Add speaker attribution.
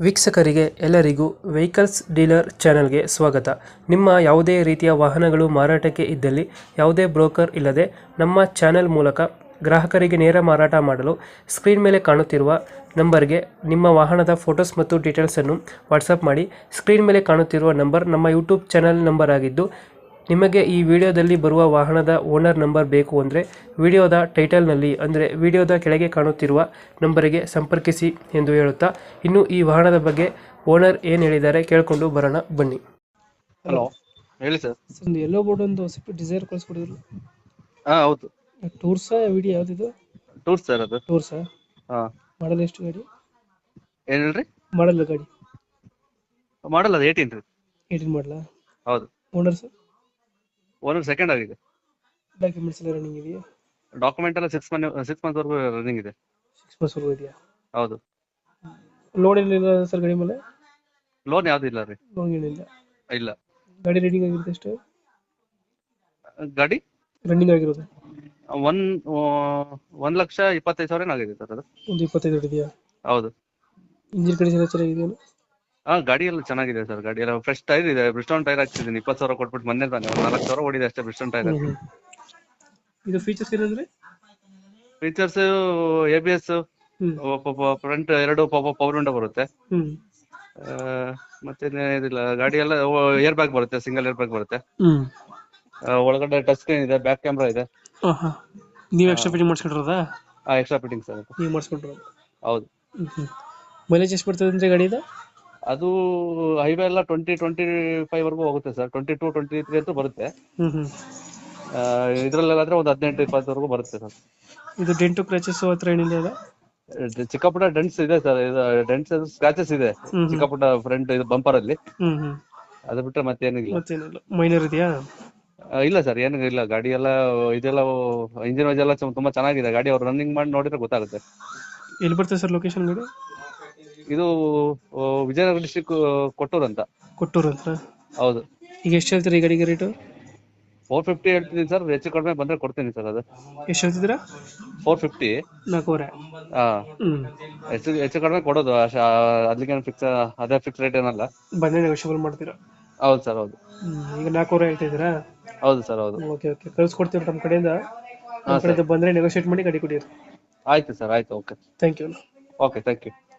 Speaker 1: ವೀಕ್ಷಕರಿಗೆ ಎಲ್ಲರಿಗೂ vehicles dealer ಚಾನೆಲ್ಗೆ ಸ್ವಾಗತ. ನಿಮ್ಮ ಯಾವುದೇ ರೀತಿಯ ವಾಹನಗಳು ಮಾರಾಟಕ್ಕೆ ಇದ್ದಲ್ಲಿ ಯಾವುದೇ ಬ್ರೋಕರ್ ಇಲ್ಲದೆ ನಮ್ಮ ಚಾನೆಲ್ ಮೂಲಕ ಗ್ರಾಹಕರಿಗೆ ನೇರ ಮಾರಾಟ ಮಾಡಲು ಸ್ಕ್ರೀನ್ ಮೇಲೆ ಕಾಣುತ್ತಿರುವ ನಂಬರ್ಗೆ ನಿಮ್ಮ ವಾಹನದ ಫೋಟೋಸ್ ಮತ್ತು ಡೀಟೇಲ್ಸನ್ನು ವಾಟ್ಸಪ್ ಮಾಡಿ. ಸ್ಕ್ರೀನ್ ಮೇಲೆ ಕಾಣುತ್ತಿರುವ ನಂಬರ್ ನಮ್ಮ ಯೂಟ್ಯೂಬ್ ಚಾನೆಲ್ ನಂಬರ್ ಆಗಿದ್ದು, ನಿಮಗೆ ಈ ವಿಡಿಯೋದಲ್ಲಿ ಬರುವ ವಾಹನದ ಓನರ್ ನಂಬರ್ ಬೇಕು ಅಂದರೆ ವಿಡಿಯೋದ ಟೈಟಲ್ನಲ್ಲಿ ಅಂದರೆ ವಿಡಿಯೋದ ಕೆಳಗೆ ಕಾಣುತ್ತಿರುವ ನಂಬರಿಗೆ ಸಂಪರ್ಕಿಸಿ ಎಂದು ಹೇಳುತ್ತಾ, ಇನ್ನು ಈ ವಾಹನದ ಬಗ್ಗೆ ಓನರ್ ಏನು ಹೇಳಿದ್ದಾರೆ ಕೇಳಿಕೊಂಡು ಬರೋಣ ಬನ್ನಿ.
Speaker 2: ಹಲೋ, ಹೇಳಿ ಸರ್.
Speaker 1: ಒಂದು ಎಲ್ಲೋ ಬೋರ್ಡ್ ಒಂದು ಸ್ವಿಫ್ಟ್ ಡಿಸೈರ್ ಕಳಿಸ್ಕೊಡಿದ್ರು.
Speaker 2: ಹಾ, ಹೌದು.
Speaker 1: ಟೂರ್ಸಾ ವಿಡಿಯೋ ಯಾವ್ದಿದು?
Speaker 2: ಟೂರ್ಸ್ ಸರ್ ಅದು.
Speaker 1: ಟೂರ್ಸಾ?
Speaker 2: ಹಾ,
Speaker 1: ಮಾಡಲ್ ಎಷ್ಟು ಗಾಡಿ?
Speaker 2: ಏನ್ ಹೇಳ್ರಿ?
Speaker 1: ಮಾಡಲ್ ಗಾಡಿ
Speaker 2: ಮಾಡಲ್ಲ, ಅದು 18 ರೀ.
Speaker 1: 18 ಮಾಡಲಾ?
Speaker 2: ಹೌದು.
Speaker 1: Owner sir?
Speaker 2: ಓನರ್ ಸೆಕೆಂಡ್ ಆಗಿದೆ.
Speaker 1: ಡಾಕ್ಯುಮೆಂಟ್ಸ್ ಎಲ್ಲ ರನ್ನಿಂಗ್ ಇದೆಯಾ?
Speaker 2: ಡಾಕ್ಯುಮೆಂಟ್ ಎಲ್ಲ 6 ಮಂತ್ ವರೆಗೂ ರನ್ನಿಂಗ್ ಇದೆ.
Speaker 1: 6 months ವರೆಗೂ ಇದೆಯಾ?
Speaker 2: ಹೌದು.
Speaker 1: ಲೋನ್ ಏನಿಲ್ಲ ಸರ್ ಗಾಡಿ ಮೇಲೆ?
Speaker 2: ಲೋನ್ ಯಾವ್ದು ಇಲ್ಲ ರೀ.
Speaker 1: ಲೋನ್ ಏನಿಲ್ಲ.
Speaker 2: ಇಲ್ಲ.
Speaker 1: ಗಾಡಿ ರನ್ನಿಂಗ್ ಆಗಿರುತ್ತೆ ಎಷ್ಟು?
Speaker 2: ಗಾಡಿ
Speaker 1: ರನ್ನಿಂಗ್ ಆಗಿರೋದು
Speaker 2: 1,25,000 ಆಗಿದೆ ಸರ್ ಅದು.
Speaker 1: ಒಂದು 25 ಇದೆಯಾ?
Speaker 2: ಹೌದು.
Speaker 1: ಇಂಜಿನ್ ಕಂಡೀಷನ್ ಚೆನ್ನಾಗಿದೆಯಾ?
Speaker 2: ಹಾ, ಗಾಡಿ ಎಲ್ಲ ಚೆನ್ನಾಗಿದೆ ಸರ್. ಗಾಡಿ ಎಲ್ಲ ಫ್ರೆಶ್ ಟೈರ್ ಇದೆ. ಬ್ರಿಸ್ಟೋನ್ ಟೈರ್ ಹಾಕ್ಸಿದ್ದೀನಿ. 20,000 ಕೊಟ್ಬಿಟ್ಟು ಮೊನ್ನೆ ತಾನೆ ಒಂದು 4,000 ಓಡಿದೆ ಅಷ್ಟೇ ಬ್ರಿಸ್ಟೋನ್ ಟೈರ್.
Speaker 1: ಇದು ಫೀಚರ್ಸ್ ಏನಂದ್ರೆ?
Speaker 2: Features ABS, front 2 power window ಬರುತ್ತೆ. ಮತ್ತೆ ಇದಿಲ್ಲ, ಗಾಡಿ ಎಲ್ಲ ಏರ್ ಬ್ಯಾಗ್ ಬರುತ್ತೆ, ಸಿಂಗಲ್ ಏರ್ ಬ್ಯಾಗ್ ಬರುತ್ತೆ. ಒಳಗಡೆ ಟಚ್ ಸ್ಕ್ರೀನ್ ಇದೆ, ಬ್ಯಾಕ್ ಕ್ಯಾಮ್ರಾ ಇದೆ.
Speaker 1: ನೀವು ಎಕ್ಸ್ಟ್ರಾ ಫಿಟ್ಟಿಂಗ್ ಮಾಡಿಸ್ಕೊಂಡಿರೋದಾ?
Speaker 2: Extra fitting sir.
Speaker 1: ನೀವು ಮಾಡಿಸ್ಕೊಂಡಿರೋದು?
Speaker 2: ಹೌದು.
Speaker 1: ಮೈಲೇಜ್ ಎಷ್ಟು ಬರ್ತದೆ ಅಂದ್ರೆ ಗಾಡಿ ಇದು?
Speaker 2: ಅದು ಹೈವೇ ಎಲ್ಲ 20-25 ವರೆಗೂ ಹೋಗುತ್ತೆ ಸರ್. 22-23 ಅಂತೂ ಬರುತ್ತೆ. ಇದ್ರಲ್ಲಾದ್ರೆ ಒಂದು 18-20 ವರೆಗೂ ಬರುತ್ತೆ ಸರ್.
Speaker 1: ಇದು ಡೆಂಟು ಕ್ರಾಚಸ್ ಹತ್ರ ಏನಿಲ್ಲ ಅಲ್ಲ?
Speaker 2: ಚಿಕ್ಕಪುಟ್ಟ ಡೆಂಟ್ಸ್ ಇದೆ ಸರ್. ಡೆಂಟ್ಸ್ ಸ್ಕ್ರಾಚಸ್ ಇದೆ ಚಿಕ್ಕಪುಟ್ಟ ಫ್ರಂಟ್ ಇದು ಬಂಪರ್ ಅಲ್ಲಿ. ಅದು ಬಿಟ್ರೆ ಮತ್ತೇನಿಲ್ಲ.
Speaker 1: ಮತ್ತೇನಿಲ್ಲ. ಮೈನರ್ ಇದೆಯಾ?
Speaker 2: ಇಲ್ಲ ಸರ್, ಏನು ಇಲ್ಲ. ಗಾಡಿ ಎಲ್ಲ ಇದೆಲ್ಲ ಇಂಜಿನ್ ವಾಯ್ಸ್ ಎಲ್ಲ ತುಂಬಾ ಚೆನ್ನಾಗಿದೆ. ಗಾಡಿ ಅವ್ರು ರನ್ನಿಂಗ್ ಮಾಡಿ ನೋಡಿದ್ರೆ ಗೊತ್ತಾಗುತ್ತೆ.
Speaker 1: ಎಲ್ಲಿ ಬರ್ತದೆ ಸರ್ ಲೊಕೇಶನ್ ಗಾಡಿ?
Speaker 2: ಇದು ವಿಜಯನಗರ ಡಿಸ್ಟ್ರಿಕ್ಟ್, ಕೊಟ್ಟೂರು ಅಂತ.
Speaker 1: ಕೊಟ್ಟೂರು ಅಂತ? ಹೌದು. ಈಗ ಎಷ್ಟು ಹೇಳ್ತೀರಾ ಈ ಗಾಡಿಗೆ ರೇಟು?
Speaker 2: 450 ಹೇಳ್ತಿದ್ದೀನಿ ಸರ್. ಹೆಚ್ಚು ಕಡಿಮೆ ಬಂದ್ರೆ ಕೊಡ್ತೀನಿ ಸರ್. ಅದು
Speaker 1: ಎಷ್ಟು ಹೇಳ್ತಿದ್ದೀರಾ?
Speaker 2: 450.
Speaker 1: 4,500?
Speaker 2: ಹಾ, ಹೆಚ್ಚು ಕಡಿಮೆ ಕೊಡೋದು. ಅದ್ಲಿಗೇನು ಫಿಕ್ಸ್, ಅದೇ ಫಿಕ್ಸ್ ರೇಟ್ ಏನಲ್ಲ.
Speaker 1: ಬಂದ್ರೆ ನೆಗೋಷಿಯಬಲ್ ಮಾಡ್ತೀರಾ?
Speaker 2: ಹೌದು ಸರ್, ಹೌದು.
Speaker 1: ಈಗ 4,500 ಹೇಳ್ತಾ ಇದ್ದೀರಾ?
Speaker 2: ಹೌದು ಸರ್, ಹೌದು.
Speaker 1: ಓಕೆ ಓಕೆ, ಕಳ್ಸಿಕೊಡ್ತೀವಿ ನಮ್ಮ ಕಡೆಯಿಂದ. ನಮ್ಮ ಕಡೆಯಿಂದ ಬಂದರೆ ನೆಗೋಷಿಯೇಟ್ ಮಾಡಿ ಗಾಡಿ ಕೊಡಿ.
Speaker 2: ಆಯ್ತು ಸರ್, ಆಯ್ತು. Okay,
Speaker 1: thank you.
Speaker 2: Okay, thank you.